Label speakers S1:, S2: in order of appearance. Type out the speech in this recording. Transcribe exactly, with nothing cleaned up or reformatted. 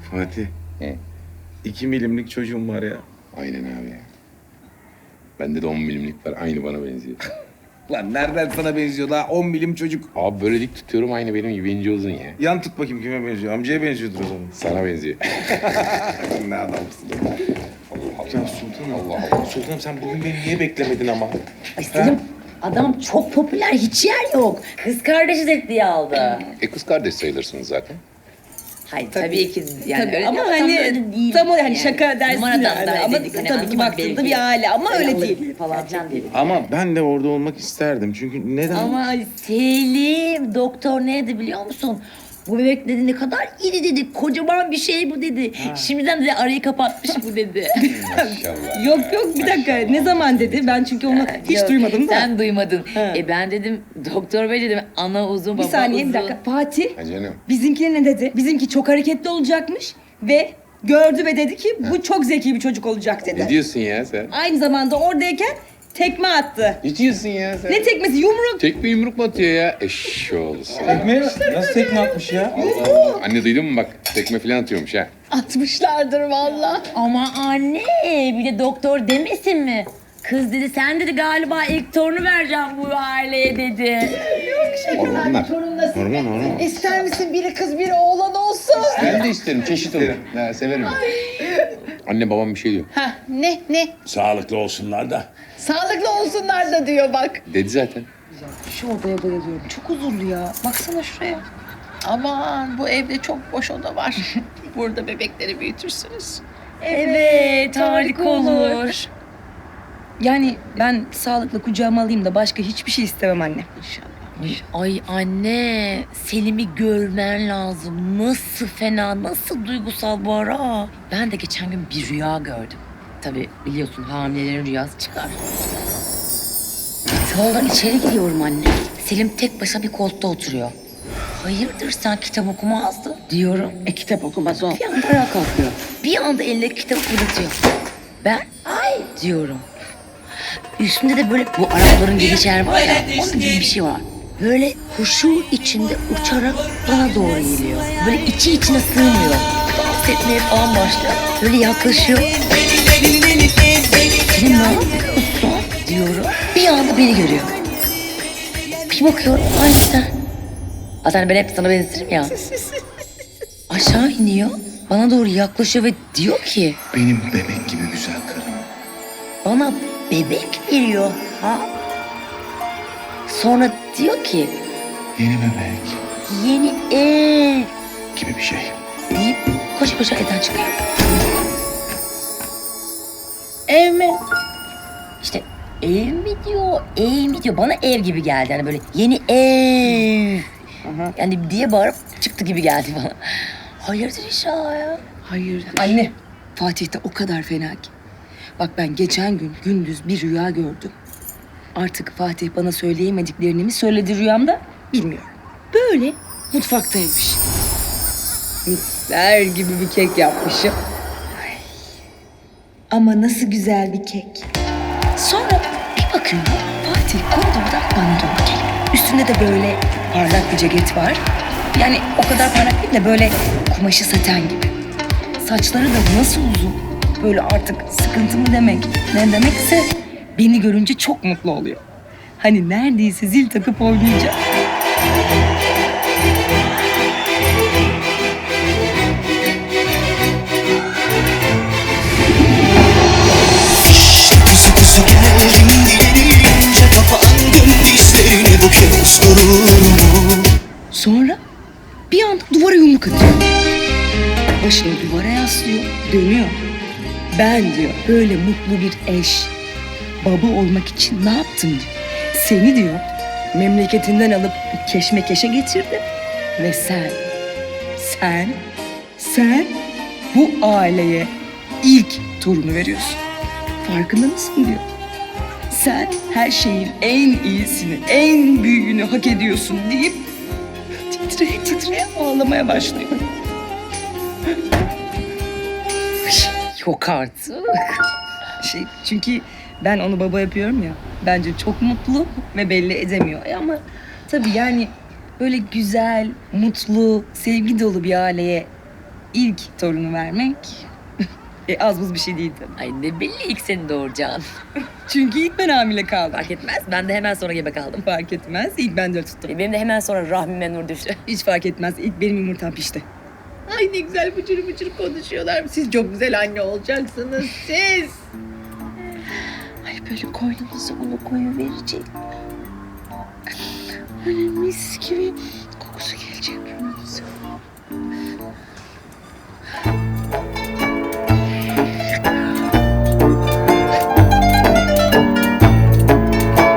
S1: Fatih.
S2: He.
S1: iki milimlik çocuğum var ya.
S2: Aynen abi ya. Bende de on milimlik var. Aynı bana benziyor.
S1: Lan nereden sana benziyor daha on milim çocuk.
S2: Abi böyle dik tutuyorum aynı benim gibi ince uzun ya.
S1: Yan tut bakayım kime benziyor. Amcaya benziyordur o zaman.
S2: Sana benziyor.
S1: Ne adamsın. Ya Sultanım. Allah Allah. Sultanım sen bugün beni niye beklemedin ama?
S3: Ay Selim, adam çok popüler, hiç yer yok. Kız kardeşi de diye aldı.
S2: E kız kardeş sayılırsınız zaten.
S3: Hayır tabii, ki yani
S4: Tabii
S3: öyle
S4: ama
S3: tam
S4: hani
S3: öyle değil
S4: tam o hani
S3: yani.
S4: şaka dersin
S3: Numaradan
S4: yani.
S3: da
S4: Ama
S3: dedik, hani
S4: tabii ki
S3: anlamak
S4: baktığında
S3: belki.
S4: bir aile ama öyle
S3: alır
S4: değil.
S3: falan filan dedik.
S1: Ama ben de orada olmak isterdim. Çünkü neden?
S3: Ama Selim, doktor neydi biliyor musun? Bu bebek dedi ne kadar iri dedi, kocaman bir şey bu dedi. Şimdiden dedi arayı kapatmış bu dedi.
S2: Maşallah.
S4: Yok yok bir dakika ne zaman dedi? Ben çünkü onu hiç
S3: Yok,
S4: duymadım da.
S3: Sen duymadın.
S4: Ha.
S3: E ben dedim doktor bey dedim ana uzun
S4: Bir
S3: baba
S4: saniye
S3: uzun.
S4: bir dakika. Fatih
S2: Ha canım.
S4: bizimkine ne dedi? Bizimki çok hareketli olacakmış ve gördü ve dedi ki bu çok zeki bir çocuk olacak dedi.
S2: Ne diyorsun ya sen?
S4: Aynı zamanda oradayken tekme attı.
S2: Ne diyorsun ya sen?
S4: Ne tekmesi? Yumruk.
S2: Tekme yumruk mu atıyor ya? Eşşoğlu sen.
S1: Tekme nasıl tekme atmış ya?
S2: Allah Allah. Anne duydun mu bak? Tekme falan atıyormuş ha.
S4: Atmışlardır valla.
S3: Ama anne bir de doktor demesin mi? Kız dedi sen dedi galiba ilk torunu vereceğim bu aileye dedi.
S2: Hormonlar.
S1: Hormon hormon.
S5: İster misin biri kız biri oğlan olsun?
S2: Ben de isterim. Çeşit olur. Ha, severim. Anne babam bir şey diyor.
S5: Ha ne ne?
S6: Sağlıklı olsunlar da.
S5: Sağlıklı olsunlar da diyor bak.
S2: Dedi zaten.
S4: Şu odaya bayılıyorum. Çok huzurlu ya. Baksana şuraya.
S5: Aman bu evde çok boş oda var. Burada bebekleri büyütürsünüz.
S3: Evet
S4: harika olur. Yani ben sağlıklı kucağıma alayım da başka hiçbir şey istemem anne.
S3: Ay anne Selim'i görmen lazım. Nasıl fena, nasıl duygusal bu ara. Ben de geçen gün bir rüya gördüm. Tabii biliyorsun hamilelerin rüyası çıkar. Salondan içeri gidiyorum anne. Selim tek başına bir koltukta oturuyor. Hayırdır sen kitap okumazdın diyorum. E kitap okumaz o. Bir anda ayağa kalkıyor. Bir anda eline kitap fırlatıyor. Ben ay diyorum. Üstünde de böyle bu Arapların geniş yer var ya, onun gibi bir şey var. Böyle huşu içinde uçarak bana doğru geliyor. Böyle içi içine sığmıyor. Dans etmeye falan başlıyor. Böyle yaklaşıyor. Senin ne yapıyorsun diyorum. Bir anda beni görüyor. Bir bakıyorum aynı sen. Zaten ben hep sana benzetirim ya. Aşağı iniyor. Bana doğru yaklaşıyor ve diyor ki
S1: Benim bebek gibi güzel karım.
S3: bana bebek veriyor ha. Sonra diyor ki
S1: Yeni bebek
S3: yeni ev
S1: gibi bir şey.
S3: deyip koşa koşa evden çıkıyor.
S5: Ev mi?
S3: İşte ev mi diyor, ev mi diyor. Bana ev gibi geldi. Yani böyle yeni ev. Yani diye bağırıp çıktı gibi geldi bana. Hayırdır inşallah ya.
S4: Hayır. Anne, Fatih de o kadar fena ki. Bak ben geçen gün gündüz bir rüya gördüm. Artık Fatih bana söyleyemediklerini mi söyledi rüyamda bilmiyorum. Böyle mutfaktaymış. Misler gibi bir kek yapmışım. Ay. Ama nasıl güzel bir kek. Sonra bir bakıyorum Fatih koridordan bana doğru geliyor. Üstünde de böyle parlak bir ceket var. Yani o kadar parlak değil de böyle kumaşı saten gibi. Saçları da nasıl uzun. Böyle artık sıkıntı mı demek, ne demekse beni görünce çok mutlu oluyor. Hani neredeyse zil takıp oynayacak.
S7: Kuzu kuzu geldin gelince kapandın dizlerini bu kez durur mu?
S4: Sonra bir anda duvara yumruk atıyor. Başını duvara yaslıyor, dönüyor. Ben diyor böyle mutlu bir eş, baba olmak için ne yaptım diyor. Seni diyor memleketinden alıp keşmekeşe getirdim. Ve sen, sen, sen bu aileye ilk torunu veriyorsun. Farkında mısın diyor. Sen her şeyin en iyisini, en büyüğünü hak ediyorsun deyip titreye titreye ağlamaya başlıyor.
S3: Yok artık.
S4: Şey, çünkü ben onu baba yapıyorum ya. Bence çok mutlu ve belli edemiyor. E ama tabii yani böyle güzel, mutlu, sevgi dolu bir aileye ilk torunu vermek e, az buz bir şey değil tabii.
S3: Ay ne belli ilk seni doğuracağın.
S4: Çünkü ilk ben hamile kaldım.
S3: Fark etmez. Ben de hemen sonra gebe kaldım.
S4: Fark etmez. İlk ben de tuttum.
S3: Benim de hemen sonra rahmime nur düştü.
S4: Hiç fark etmez. İlk benim yumurtam pişti.
S5: Ay ne güzel bıcır bıcır konuşuyorlar. Siz çok güzel anne olacaksınız siz.
S4: Ay böyle koynunuza onu koyu verecek. Böyle mis gibi